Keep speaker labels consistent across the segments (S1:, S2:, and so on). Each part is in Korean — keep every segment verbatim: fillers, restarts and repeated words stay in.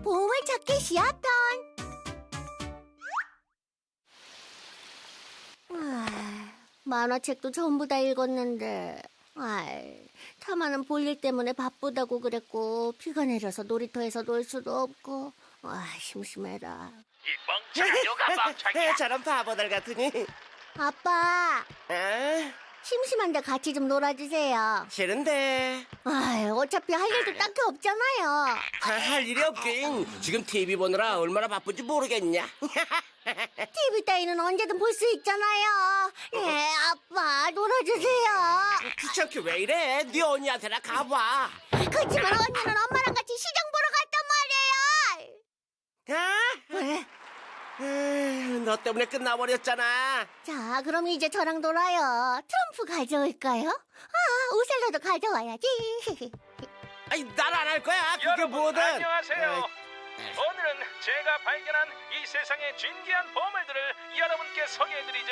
S1: 보물찾기 시합편. 아, 만화책도 전부 다 읽었는데 아이, 타마는 볼일 때문에 바쁘다고 그랬고 비가 내려서 놀이터에서 놀 수도 없고 아, 심심해라.
S2: 이 멍청한 요가 멍청이야.
S3: 저런 바보들 같으니.
S1: 아빠,
S3: 아,
S1: 심심한데 같이 좀 놀아주세요.
S3: 싫은데.
S1: 아, 어차피 할 일도 딱히 없잖아요.
S3: 아, 할 일이 없긴. 지금 티비 보느라 얼마나 바쁜지 모르겠냐.
S1: 티비 따위는 언제든 볼 수 있잖아요. 예, 아빠 놀아주세요.
S3: 귀찮게 왜 이래? 네 언니한테나 가봐.
S1: 그치만 언니는 엄마랑 같이 시장 보러 갔단 말이에요.
S3: 아,
S1: 에?
S3: 아, 너 때문에 끝나버렸잖아.
S1: 자, 그럼 이제 저랑 놀아요. 트럼프 가져올까요? 아, 오셀로도 가져와야지.
S3: 아니, 난 안 할 거야. 그게
S2: 여러분
S3: 뭐든.
S2: 안녕하세요. 오늘은 제가 발견한 이 세상의 진귀한 보물들을 여러분께 소개해드리죠.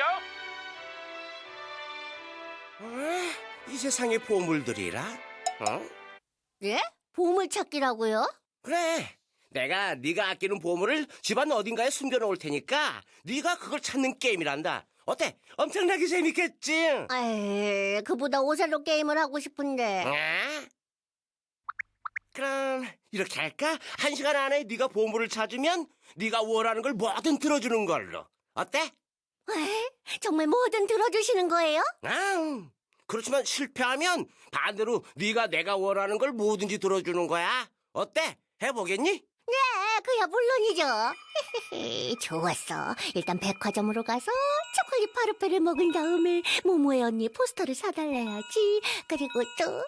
S3: 어? 이 세상의 보물들이라? 어?
S1: 예? 보물찾기라고요?
S3: 그래. 내가 네가 아끼는 보물을 집안 어딘가에 숨겨놓을 테니까 네가 그걸 찾는 게임이란다. 어때? 엄청나게 재밌겠지?
S1: 에이, 그보다 오셀로 게임을 하고 싶은데.
S3: 아? 그럼 이렇게 할까? 한 시간 안에 네가 보물을 찾으면 네가 원하는 걸 뭐든 들어주는 걸로. 어때?
S1: 에? 정말 뭐든 들어주시는 거예요?
S3: 아, 그렇지만 실패하면 반대로 네가 내가 원하는 걸 뭐든지 들어주는 거야. 어때? 해보겠니?
S1: 네, 그야 물론이죠. 좋았어. 일단 백화점으로 가서 초콜릿 파르페를 먹은 다음에 모모의 언니 포스터를 사달래야지. 그리고 또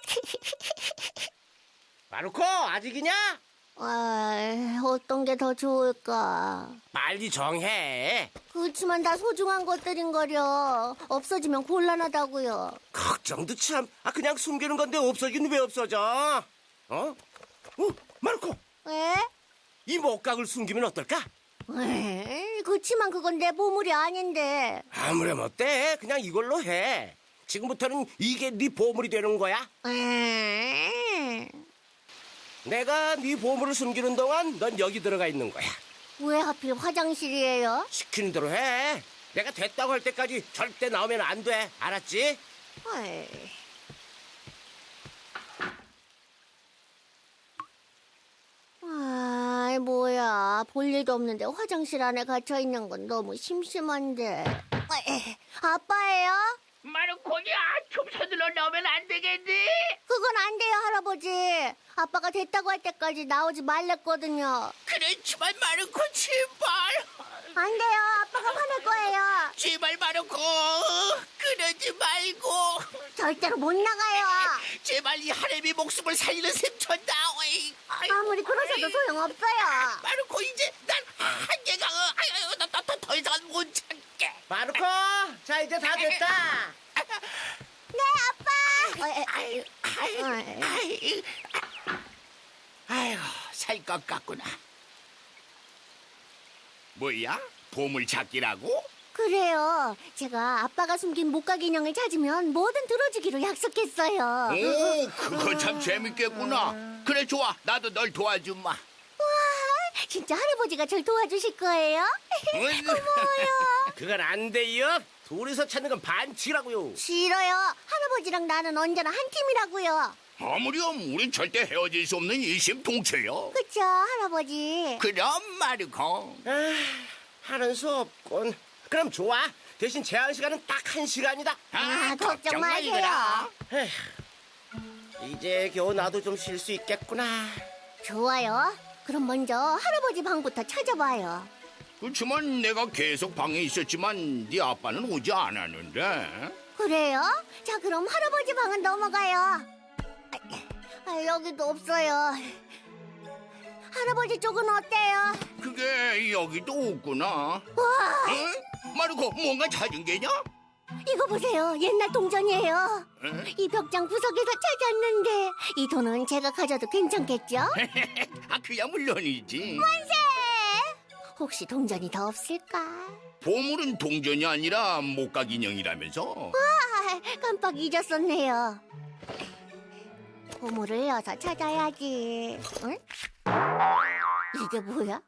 S3: 마루코, 아직이냐?
S1: 아, 어떤 게 더 좋을까?
S3: 빨리 정해.
S1: 그렇지만 다 소중한 것들인 거려. 없어지면 곤란하다고요.
S3: 걱정도 참. 아, 그냥 숨기는 건데 없어지긴 왜 없어져? 어? 어? 마루코,
S1: 에?
S3: 이 목각을 숨기면 어떨까?
S1: 에이, 그렇지만 그건 내 보물이 아닌데.
S3: 아무렴 어때? 그냥 이걸로 해. 지금부터는 이게 네 보물이 되는 거야.
S1: 에이,
S3: 내가 네 보물을 숨기는 동안 넌 여기 들어가 있는 거야.
S1: 왜 하필 화장실이에요?
S3: 시키는 대로 해. 내가 됐다고 할 때까지 절대 나오면 안 돼. 알았지?
S1: 에이. 아, 뭐야. 볼 일도 없는데 화장실 안에 갇혀 있는 건 너무 심심한데. 에이, 아빠예요?
S4: 마르코냐, 좀 서둘러 나오면 안 되겠니?
S1: 그건 안 돼요, 할아버지. 아빠가 됐다고 할 때까지 나오지 말랬거든요.
S4: 그렇지만 마르코 제발,
S1: 안 돼요. 아빠가 화낼 거예요.
S4: 제발 마르코, 그러지 말고,
S1: 절대로 못 나가요.
S4: 제발 이 하렘이 목숨을 살리는 셈 쳤다. 어이, 아이,
S1: 아무리 그러셔도 소용없어요.
S4: 마르코 이제 난 한계가, 아유, 나더 이상 못 참게.
S3: 마루코, 자 이제 다 됐다.
S1: 네, 아빠. 어, 에,
S4: 아유, 아유,
S1: 어이.
S4: 아유, 아유, 살 것 같구나. 뭐야? 보물 찾기라고?
S1: 그래요. 제가 아빠가 숨긴 목각 인형을 찾으면 뭐든 들어주기로 약속했어요.
S4: 오, 그거 참 재밌겠구나. 그래, 좋아. 나도 널 도와주마.
S1: 와, 진짜 할아버지가 절 도와주실 거예요?
S4: 응.
S1: 고마워요.
S3: 그건 안 돼요. 둘이서 찾는 건 반칙이라고요.
S1: 싫어요. 할아버지랑 나는 언제나 한 팀이라고요.
S4: 아무렴, 우린 절대 헤어질 수 없는 일심동체요.
S1: 그쵸, 할아버지?
S4: 그럼 마르코.
S3: 아, 하는 수 없군. 그럼 좋아. 대신 제한 시간은 딱 한 시간이다.
S1: 아, 걱정 마세요.
S4: 말거라.
S3: 에휴, 이제 겨우 나도 좀 쉴 수 있겠구나.
S1: 좋아요. 그럼 먼저 할아버지 방부터 찾아봐요.
S4: 그렇지만 내가 계속 방에 있었지만 네 아빠는 오지 않았는데.
S1: 그래요? 자, 그럼 할아버지 방은 넘어가요. 아, 여기도 없어요. 할아버지 쪽은 어때요?
S4: 그게 여기도 없구나.
S1: 와,
S4: 응? 마르코, 뭔가 찾은 게냐?
S1: 이거 보세요. 옛날 동전이에요.
S4: 응?
S1: 이 벽장 구석에서 찾았는데 이 돈은 제가 가져도 괜찮겠죠?
S4: 아, 그야 물론이지.
S1: 만세! 혹시 동전이 더 없을까?
S4: 보물은 동전이 아니라 목각 인형이라면서?
S1: 아, 깜빡 잊었었네요. 보물을 어서 찾아야지. 응? 이게 뭐야?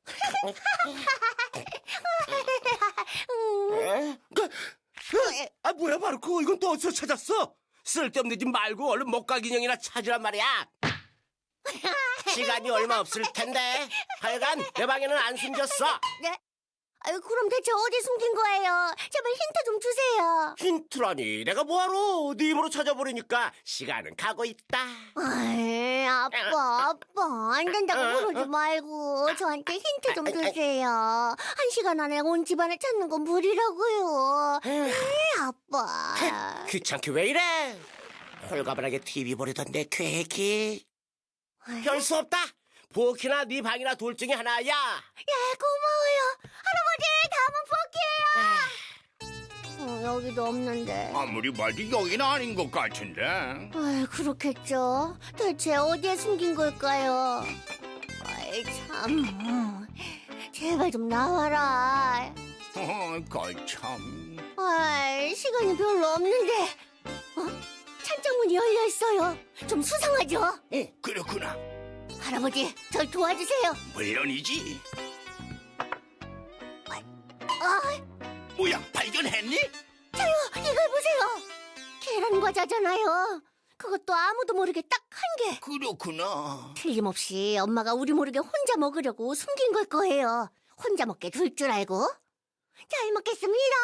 S3: 에? 그, 그, 아 뭐야 마르코, 이건 또 어디서 찾았어? 쓸데없는 짓 말고 얼른 목각 인형이나 찾으란 말이야. 시간이 얼마 없을 텐데 하여간 내 방에는 안 숨겼어.
S1: 네? 아유, 그럼 대체 어디 숨긴 거예요? 제발 힌트 좀 주세요.
S3: 힌트라니, 내가 뭐하러 네 입으로 찾아버리니까 시간은 가고 있다.
S1: 아이, 아빠, 아빠, 안 된다고 그러지 말고 저한테 힌트 좀 주세요. 한 시간 안에 온 집안을 찾는 건 무리라고요. 에이, 아빠.
S3: 귀찮게 왜 이래? 홀가분하게 티비 보려던 내 계획이 별 수 없다. 부엌이나 네 방이나 둘 중에 하나야.
S1: 예, 고마워요. 할아버지, 다음은 포기해요. 어, 여기도 없는데.
S4: 아무리 봐도 여기는 아닌 것 같은데.
S1: 아이, 그렇겠죠. 대체 어디에 숨긴 걸까요? 아이, 참. 제발 좀 나와라.
S4: 어, 거참.
S1: 아이, 시간이 별로 없는데. 어? 찬장문이 열려 있어요. 좀 수상하죠?
S4: 어, 그렇구나.
S1: 할아버지, 절 도와주세요.
S4: 물론이지.
S1: 아,
S4: 뭐야, 발견했니?
S1: 저요, 이걸 보세요. 계란 과자잖아요. 그것도 아무도 모르게 딱 한 개.
S4: 그렇구나.
S1: 틀림없이 엄마가 우리 모르게 혼자 먹으려고 숨긴 걸 거예요. 혼자 먹게 둘 줄 알고. 잘 먹겠습니다.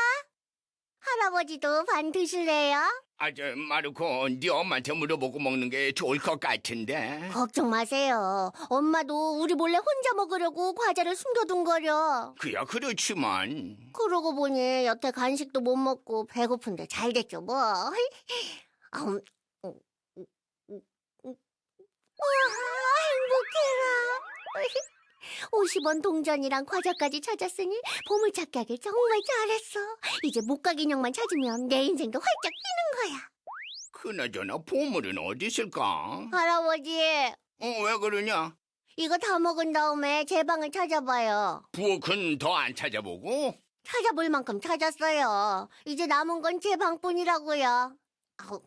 S1: 할아버지도 반 드실래요?
S4: 아, 저, 마르코, 네 엄마한테 물어보고 먹는 게 좋을 것 같은데.
S1: 걱정 마세요. 엄마도 우리 몰래 혼자 먹으려고 과자를 숨겨둔 거려.
S4: 그야 그렇지만.
S1: 그러고 보니 여태 간식도 못 먹고 배고픈데 잘 됐죠 뭐. 아, 음, 음, 음, 음, 음. 우와, 행복해라. 오십 원 동전이랑 과자까지 찾았으니 보물찾기 하길 정말 잘했어. 이제 목각 인형만 찾으면 내 인생도 활짝 피는 거야.
S4: 그나저나 보물은 어디 있을까?
S1: 할아버지,
S4: 어, 왜 그러냐?
S1: 이거 다 먹은 다음에 제 방을 찾아봐요.
S4: 부엌은 더 안 찾아보고?
S1: 찾아볼 만큼 찾았어요. 이제 남은 건 제 방뿐이라고요. 아우,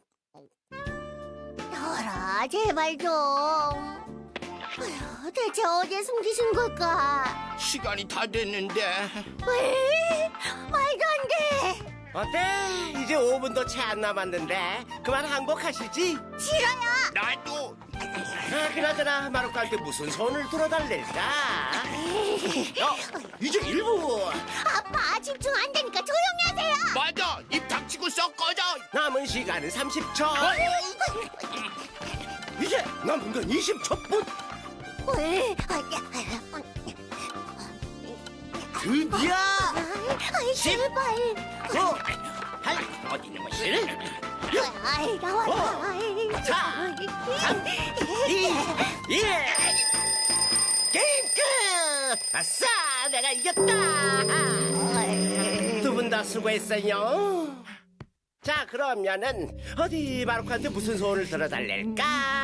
S1: 나와라, 제발 좀. 아휴, 대체 어디에 숨기신 걸까?
S4: 시간이 다 됐는데.
S1: 왜? 말도 안 돼.
S3: 어때? 이제 오 분도 채 안 남았는데 그만 항복하시지?
S1: 싫어요.
S4: 나도.
S3: 아, 그나저나 마루카한테 무슨 손을 들어달랬까? 어, 이제 일 분.
S1: 아빠, 집중 안 되니까 조용히 하세요.
S4: 맞아, 입 닥치고 썩 꺼져.
S3: 남은 시간은 삼십 초. 이제 남은 건 이십 초뿐.
S1: 왜?
S3: 드디어
S1: 아이, 제발.
S3: 구, 팔, 어디 있는 것이?
S1: 아이, 나와라. 아이,
S3: 사, 삼, 이, 일. 게임 끝! 아싸! 내가 이겼다! 두 분 다 수고했어요. 자, 그러면은 어디 마루카한테 무슨 소원을 들어달랠까?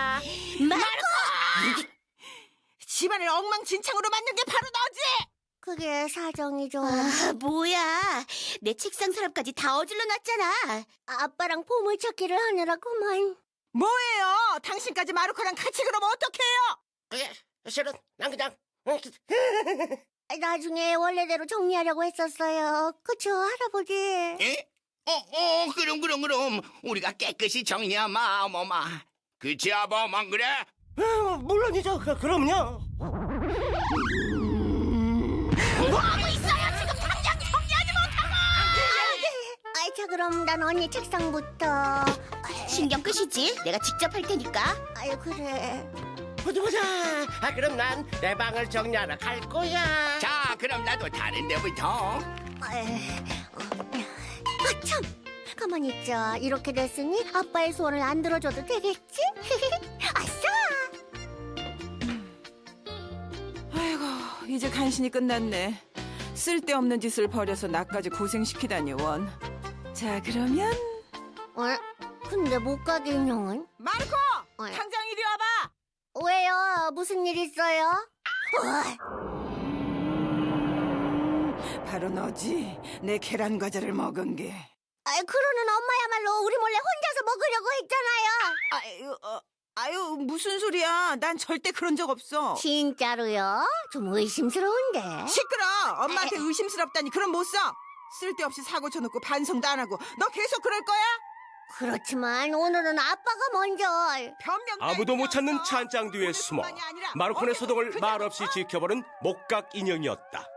S1: 마르코!
S5: 집안을 엉망진창으로 만든 게 바로 너지!
S1: 그게 사정이 좀.
S6: 아, 뭐야. 내 책상 서랍까지 다 어질러 놨잖아.
S1: 아빠랑 보물찾기를 하느라 그만.
S5: 뭐예요? 당신까지 마루코랑 같이 그러면 어떡해요?
S3: 그게 실은 난 그냥
S1: 나중에 원래대로 정리하려고 했었어요. 그쵸, 할아버지?
S4: 에? 어, 어, 그럼, 그럼, 그럼. 우리가 깨끗이 정리하마, 어머마. 그치, 아범안 그래?
S3: 어, 물론이죠. 그, 그럼요.
S1: 뭐하고 있어요? 지금 당장 정리하지 못하고! 아이, 자, 그럼 난 언니 책상부터.
S6: 신경 끄시지? 내가 직접 할 테니까.
S1: 아유, 그래.
S3: 보자 보자. 아, 그럼 난 내 방을 정리하러 갈 거야.
S4: 자, 그럼 나도 다른 데부터.
S1: 아, 참! 가만히 있자. 이렇게 됐으니 아빠의 소원을 안 들어줘도 되겠지? 아싸!
S5: 아이고, 이제 간신히 끝났네. 쓸데없는 짓을 벌여서 나까지 고생시키다니, 원. 자, 그러면
S1: 어? 근데 목각 인형은?
S5: 마르코!
S1: 어.
S5: 당장 이리 와봐!
S1: 왜요? 무슨 일 있어요? 어,
S5: 바로 너지? 내 계란 과자를 먹은 게.
S1: 아이, 그러는 엄마야말로 우리 몰래 혼자서 먹으려고 했잖아요.
S5: 아유, 어, 아유, 무슨 소리야. 난 절대 그런 적 없어.
S1: 진짜로요? 좀 의심스러운데.
S5: 시끄러. 엄마한테 의심스럽다니 그럼 못 써. 쓸데없이 사고 쳐놓고 반성도 안 하고. 너 계속 그럴 거야?
S1: 그렇지만 오늘은 아빠가 먼저.
S5: 변명
S3: 아무도 못 찾는
S5: 없어.
S3: 찬장 뒤에 숨어
S5: 오늘뿐만이 아니라
S3: 마루콘의
S5: 언제도
S3: 소동을
S5: 그냥
S3: 말없이 지켜보는 목각 인형이었다.